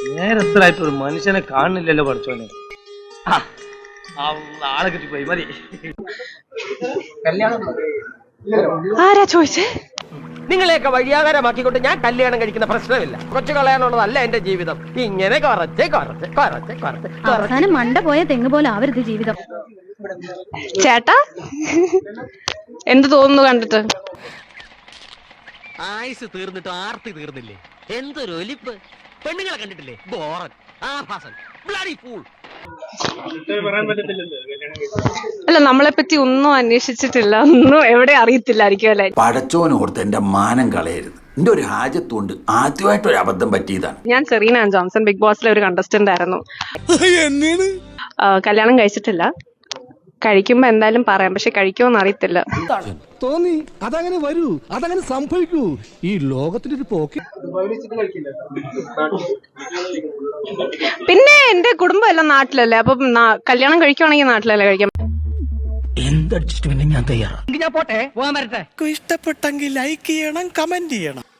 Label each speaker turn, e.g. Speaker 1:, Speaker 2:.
Speaker 1: നേരത്തിലായിട്ട് ഒരു മനുഷ്യനെ കാണുന്നില്ലല്ലോ പഠിച്ചോനെ. ആളെ കിട്ടിപ്പോയി മതി.
Speaker 2: ആരാ ചോദിച്ചേ?
Speaker 3: നിങ്ങളെയൊക്കെ വഴിയാകാരമാക്കിക്കൊണ്ട് ഞാൻ കല്യാണം കഴിക്കുന്ന പ്രശ്നമില്ല. കൊച്ചു കളയാനുള്ളതല്ല എന്റെ ജീവിതം. ഇങ്ങനെ
Speaker 2: അവസാനം മണ്ട പോയ തെങ്ങ് പോലെ ആവരുത് ജീവിതം. ചേട്ടാ എന്ത് തോന്നുന്നു കണ്ടിട്ട്?
Speaker 3: ആയുസ് തീർന്നിട്ട് ആർത്തി തീർന്നില്ലേ? എന്തൊരു ഒലിപ്പ്! പെണ്ണുങ്ങളെ കണ്ടിട്ടില്ലേ? ബോറൻ, ആഭാസൻ, ബ്ലഡി ഫൂൾ.
Speaker 2: അല്ല, നമ്മളെ പറ്റി ഒന്നും അന്വേഷിച്ചിട്ടില്ല, ഒന്നും എവിടെ അറിയത്തില്ലായിരിക്കും അല്ലെ.
Speaker 4: പടച്ചോനോർത്ത് എന്റെ മാനം കളയരുത്. എന്റെ ഒരു ഹാജത്തുകൊണ്ട് ആദ്യമായിട്ട് ഒരു അബദ്ധം പറ്റിയതാണ്.
Speaker 2: ഞാൻ സെറീന ജോൺസൺ, ബിഗ് ബോസിലെ ഒരു കണ്ടസ്റ്റന്റ് ആയിരുന്നു. കല്യാണം കഴിച്ചിട്ടില്ല. കഴിക്കുമ്പോ എന്തായാലും പറയാം, പക്ഷെ കഴിക്കുമോന്ന് അറിയത്തില്ല.
Speaker 5: തോന്നി അതങ്ങനെ വരൂ, അതങ്ങനെ സംഭവിക്കൂ. ഈ ലോകത്തിനൊരു പോക്ക്.
Speaker 2: പിന്നെ എന്റെ കുടുംബം എല്ലാം നാട്ടിലല്ലേ, അപ്പൊ കല്യാണം കഴിക്കുവാണെങ്കിൽ നാട്ടിലല്ലേ കഴിക്കാം.
Speaker 5: എന്ത് അഡ്ജസ്റ്റ്മെന്റ് ഞാൻ തയ്യാറാണ്.
Speaker 3: ഞാൻ പോട്ടെ, പോകാൻ വരട്ടെ.
Speaker 5: ഇഷ്ടപ്പെട്ടെങ്കിൽ ലൈക്ക് ചെയ്യണം, കമന്റ് ചെയ്യണം.